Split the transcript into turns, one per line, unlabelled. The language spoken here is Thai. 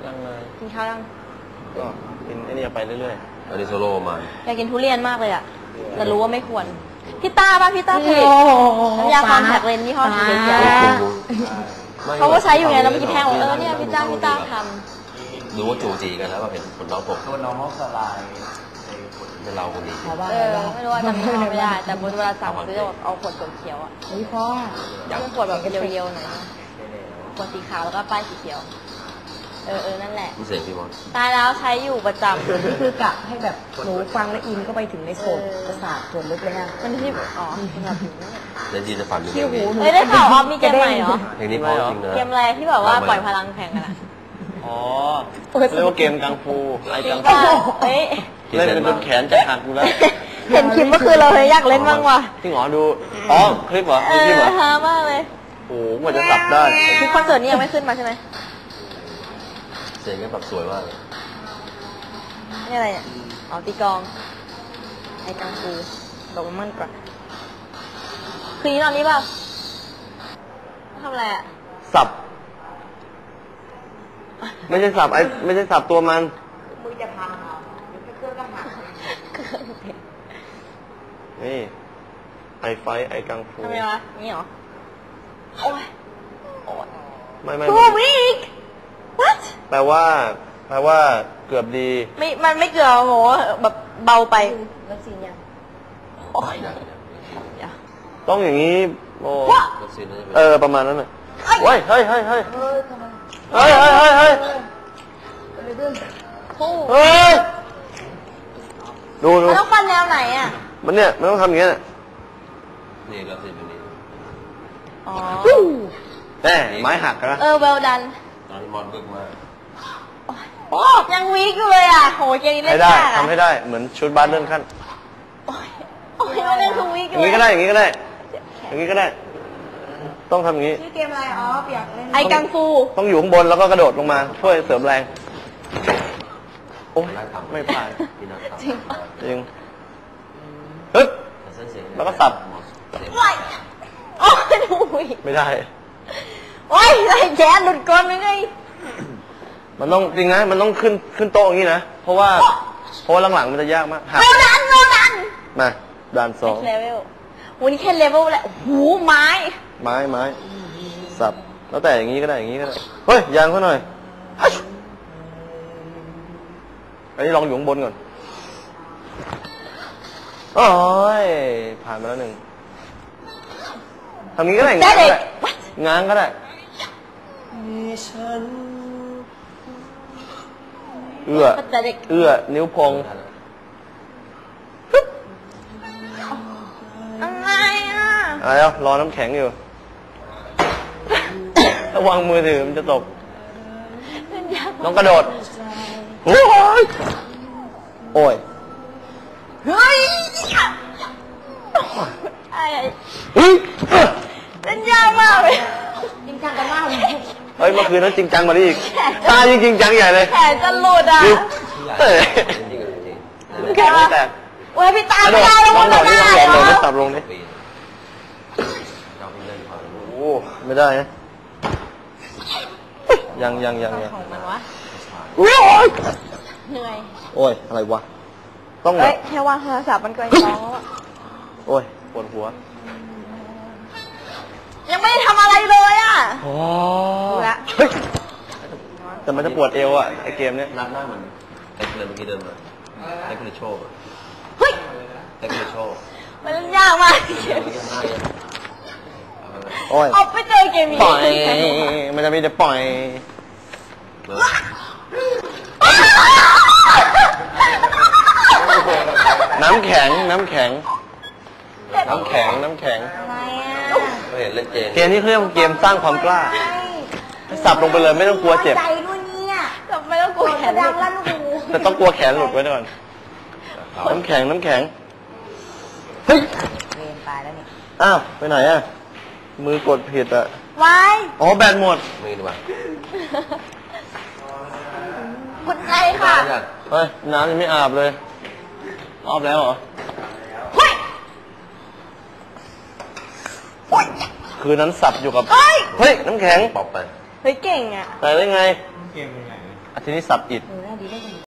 ตั้งนาน
กินข้าวยัง
ก็กินไอ้นี่ไปเรื่อย
ๆอันนี้โซโล่มา
อยากกินทุเรียนมากเลยอ่ะแต่รู้ว่าไม่ควรพี่ต้าป่ะพี่ต้าผลิตน้ำยาคอนแทคเลนส์ยี่ห้อสีเขียวเขาก็ใช้อยู่ไงแล้วเมื่อกี้แพงบอกเนี่ยพี่ต้าทำ
ดูว่าจูจีกันแล้วว่าเห็นผลน้องผม
ตัวน้องเขาสลาย
เป็นเราคนดี
ไม่รู้ว่าจำไม่ได้แต่เวลาสั่งซื้อเอาขวดเขียวอ่ะ
นี่พ่อ
ขวดแบบเรียวๆหน่อยขวดสีขาวแล้วก็ป้ายสีเขียวนั่นแหละ
พิเศษพี่มอส
ตายแล้วใช้อยู่ประจำ
นี่คือกะให้แบบหนูฟังและอินก็ไปถึงในโซนประสาทส่วนลึกเลยฮะ
มันที่อ๋อแบบ
เล่นจีจะฝันอยู่
ที่หู
ได้ข่าวออฟมีเกมใหม่เหรอ
เพลงนี้พอจริงนะ
เกมอะไรที่แบบว่าปล่อยพลังแข่งกันอ่ะ
อ๋อเรียกว่าเกมกังฟูไอ้กังฟูเล่นเป็นจนแขนจะหักอยู่แล้ว
เห็นคลิปเมื่อคืนเราเลยอยากเล่นบ้างว่ะ
จริงเหรอดูอ๋อคลิปเหรอคลิปเหรอ
ฮามากเลย
โอ้โหกว่าจะสับได้
คลิปคอนเสิร์ตนี่ยังไม่ขึ้นมาใช่ไหม
เสียงก็แบบสวยมาก
นี่อะไรเนี่ยอ๋อตีกองไอ้กังฟูบอกมันก่อนคืนนี้นอนนี้เปล่าทำอะไรอ่ะ
สับไม่ใช่สับไม่ใช่สับตัวมัน
มือจะพังเอาเครื่องก็หัก
นี่ไอกังฟู
ทำไมวะนี่เหรอโอ้ย
ไม่
2 week what
แปลว่าเกือบดี
มันไม่เกือบโหแบบเบาไป
วัคซีนยัง
โอ้ย
ต้องอย่างนี้โอ้ประมาณนั้นน่ะเฮ้ยดู
มันต้องฟันแนวไหนอ่ะ
มันเนี่ยมันต้องทำอย่างเงี้ย
นี่ก็คือแบบนี้
อ๋อ
แน่ไม้หักนะ
well done
ตอนนี้มอนบึกมาก
โอ้ยังวีกอยู่เลยอ่ะโหเกมนี้เล่นยาก
ทำให้ได้เหมือนชุดบาสเลื่อนขั้น
โอ้ยมันเล่น2 วีกอยู่
อย่างนี้ก็ได้อย่างนี้ก็ได้ต้องทำอย่างนี้
ชื่อเกมอะไรอ๋ออยากเล่น
ไอ้กังฟู
ต้องอยู่ข้างบนแล้วก็กระโดดลงมาช่วยเสริมแรงโอ้ยไม่ผ่านจริงฮึบแล้วก็สับ
โอ้ยดู
ไม่ได้
โอ้ยไอ้แขนหลุดก้นยังไง
มันต้องจริงนะมันต้องขึ้นโต๊ะอย่างนี้นะเพราะว่าหลังๆมันจะยากมาก
ดัน
มาด่าน2
เลเวลวันนี้แค่เลเวลแหละโอ้โหไม้
สับแล้วแต่อย่างนี้ก็ได้เฮ้ยยางเขาหน่อยอันนี้ลองอยู่ข้างบนก่อนโอ้ยผ่านมาแล้ว1ทำนี้ก็ได้ง้างก็ได้เอื้อนิ้วพองอะไรอ่ะรอน้ำแข็งอยู่ระวังมือถือมันจะตกน้องกระโดดโอ้ยเฮ้ย
เล่นยากมากเลย
จริงจังกันมากเลย
เฮ้ยเมื่อคืนนั้นจริงจังกว่านี้อีกตาจริงจังใหญ่เลย
แขนจะหลุดอ่ะ
แขนไม่แตก
โอ้ยพี่ตาไม่ได้แล้วมันไม่ได้
ลองสับลงดิโอ้ไม่ได้นะยัง
ของมันวะเหนื่อย
โอ้ยอะไรวะต้อง
แค่วางโทรศัพท์มันก็ยังร้องแล้ว
โอ้ยปวดหัว
ยังไม่ได้ทำอะไรเลยอ่ะ
โอ้แต่มันจะปวดเอวอ่ะไอเกมเนี้ย
นับหน้าเหมือนไอ้เมื่อกี้เดินมาไอ้คุณโชว์
เฮ้ย
ไอ้คุณโชว์
มันยากมาก
โอ้ย
เอาไปเจอเกมนี้
ปล่อยมันจะมีแต่ปล่อยน้ำแข็ง
ไม่เห็นเล่น
เกมนี้เขาเรียกว่าเกมสร้างความกล้าสับลงไปเลยไม่ต้องกลัวเจ็บ
ใจนู่นนี่อ่ะ
ไม่ต้องกลัวแขน
ดังลั่นหู
แต่ต้องกลัวแขนหลุดไว้ก่อนน้ำแข็งเฮ้ย
ตายแล้วนี่
อ้าวไปไหนอ่ะมือกดผิดอ่ะ
ไว้
อ๋อแบตหมด
ไม่ดีกว่า
คุณใจค่ะ
เฮ้ยน้ำยังไม่อาบเลยอาบแล้วเหรอคืนนั้นสับอยู่กับเฮ้ยน้ำแข็ง
ปอบไป
เฮ้ยเก่งอ่ะ
ใส่ได้ไง
เกมเป็นไง
อาทีนี้สับอิด
ดีได้กัน